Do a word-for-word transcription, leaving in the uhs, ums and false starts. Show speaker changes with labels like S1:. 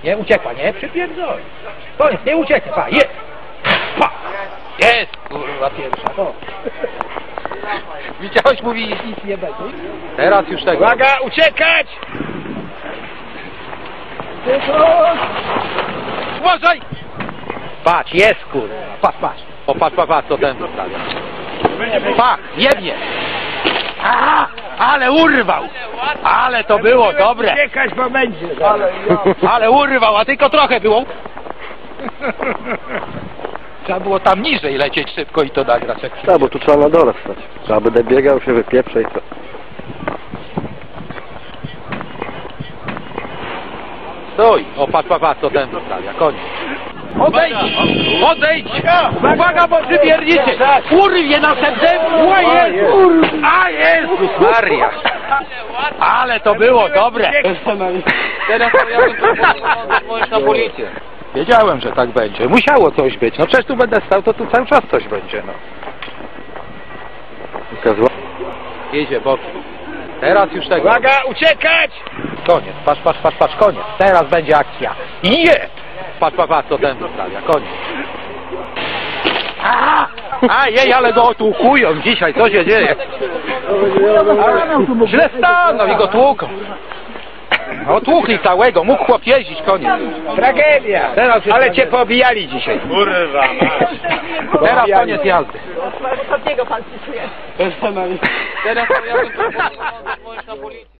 S1: Nie, uciekła, nie? Przypierdol. Koniec, nie ucieknie, pa, jest. Pa. Jest, kurwa pierwsza. O. Widziałeś, mówi, nic nie będzie. Teraz już tego.
S2: Uwaga, uciekać!
S1: Uważaj! Patrz, jest kurwa, patrz, patrz. O, patrz, patrz, patrz, co ten wystawia. Pach, jebnie. A, ale urwał! Ale to było dobre!
S2: Uciekać, bo będzie.
S1: Ale urwał, a tylko trochę było. Trzeba było tam niżej lecieć szybko i to nagrać. Jak
S3: Tak, bo tu trzeba na dole stać. Trzeba będę biegał, się wypieprzę i co.
S1: Stój! O, patrz, patrz, patrz, co ten wystawia. Koniec. Odejdź! Odejdź! Uwaga, bo przywiernicie! Urwie następnym! O Jezus! A Jezus Maria! Ale to było dobre!
S4: Teraz ja bym proponował na policję.
S1: Wiedziałem, że tak będzie. Musiało coś być. No przecież tu będę stał, to tu cały czas coś będzie, no.
S3: Ukazła.
S1: Jedzie bokiem. Teraz już tego.
S2: Uwaga, uciekać!
S1: Koniec. Patrz, patrz, patrz, patrz, koniec. Teraz będzie akcja. Je! Patrz, patrz, patrz, co ten wystawia. Koniec. A, a jej, ale go otłukują dzisiaj. Co się dzieje? Źle stanął i go tłuką. Otłuchli całego. Mógł chłop jeździć, koniec.
S2: Tragedia!
S1: Teraz
S2: Ale cię poobijali dzisiaj.
S4: Kurwa,
S1: Teraz koniec jazdy.
S5: Ostatniego pan pisuje.
S4: Teraz ja bym proponował na policję.